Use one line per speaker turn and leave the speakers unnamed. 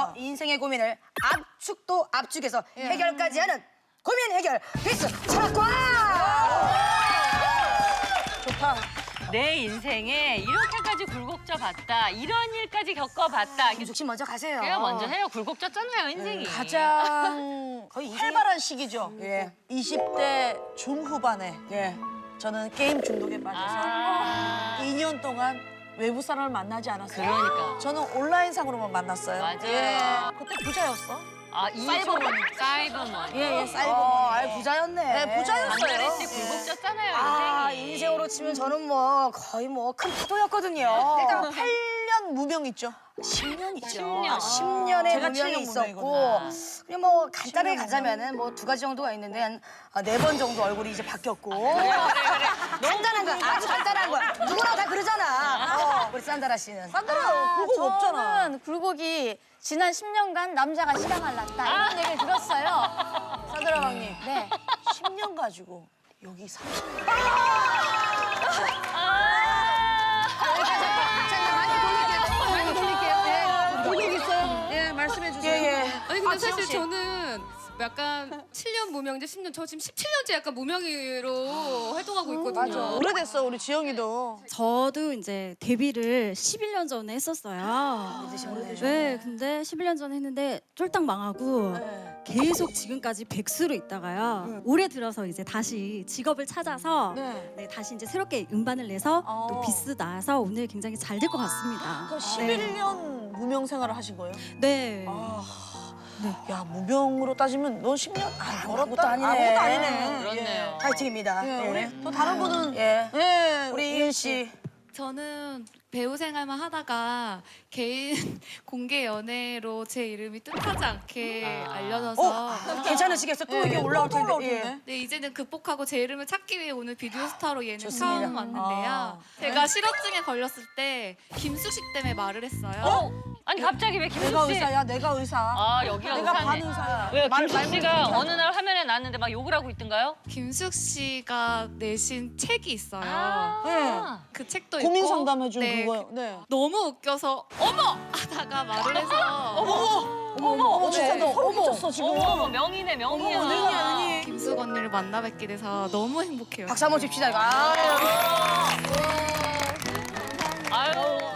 인생의 고민을 압축도 압축해서 해결까지 하는 고민 해결 필수 철학과! 좋다.
내 인생에 이렇게까지 굴곡져 봤다. 이런 일까지 겪어봤다.
김숙 씨 먼저 가세요.
그래요, 먼저 해요. 굴곡졌잖아요, 인생이.
가장
거의 인생이-
활발한 시기죠.
예.
20대 중후반에
예.
저는 게임 중독에 빠져서
아.
2년 동안 외부 사람을 만나지 않았어요.
그러니까.
저는 온라인상으로만 만났어요.
맞아요.
예. 그때 부자였어.
아,
사이버머니.
사이버머니.
예, 사이버머니.
아이 부자였네.
네, 부자였어요.
장가래 씨 굴곡졌잖아요,
아,
인생이.
인생으로 치면 저는 뭐 거의 뭐 큰 파도였거든요.
일단 8년 무명 있죠.
10년 있죠.
10년.
10년의
제가
무명이
7년
있었고
무명이거든요.
그냥 뭐 간단하게 가자면은 뭐 2가지 정도가 있는데 한 4번 정도 얼굴이 이제 바뀌었고 간단한 거야. 아주 간단한 거야. 누구나 다 그러잖아. 우리 산다라 씨는.
산드라 그거 없잖아.
저는 굴곡이 지난 10년간 남자가 시강을 났다 이런 얘기를 들었어요.
산드라 강님.
네.
10년 가지고 여기 30년.
많이 돌릴게요.
굴곡 있어요. 예, 말씀해 주세요.
예.
아니 근데
지영
사실
씨.
저는 약간 7년 무명제 10년 저 지금 17년째 약간 무명으로 활동하고 있거든요.
맞아. 오래됐어, 우리 지영이도.
저도 이제 데뷔를 11년 전에 했었어요. 네, 근데 11년 전에 했는데 쫄딱 망하고 계속 지금까지 백수로 있다가요. 올해 들어서 이제 다시 직업을 찾아서 네, 다시 이제 새롭게 음반을 내서 또 비스 나와서 오늘 굉장히 잘 될 것 같습니다.
그럼 11년 무명 생활을 하신 거예요?
네.
야, 무명으로 따지면 넌 10년
아무것도
멀었다.
아니네.
아무것도 아니네.
그렇네요.
파이팅입니다.
예.
예.
우리 또 다른 분은
예.
예,
우리 이은 씨.
저는 배우 생활만 하다가 개인 공개 연애로 제 이름이 뜻하지 않게 알려져서
괜찮으시겠어? 또 이게 올라올 텐데. 예.
네, 이제는 극복하고 제 이름을 찾기 위해 오늘 비디오 스타로 예능
좋습니다.
처음 왔는데요. 제가 실업증에 걸렸을 때 김숙식 때문에 말을 했어요.
아니, 갑자기 왜 김숙 씨?
내가 의사야, 내가 의사.
아, 여기가
내가
의사네.
반의사야.
왜
말
김숙 씨가 어느 날 화면에 나왔는데 막 욕을 하고 있던가요?
김숙 씨가 내신 책이 있어요.
아.
그 책도
고민
있고
상담해 준
네,
그거요. 네.
너무 웃겨서 어머 하다가 말을 해서
어머, 진짜 너 소름 끼쳤어, 지금.
어머, 명이네, 명이야.
김숙 언니를 만나 뵙게 돼서 너무 행복해요.
박수 한번 칩시다. 이거.
아유.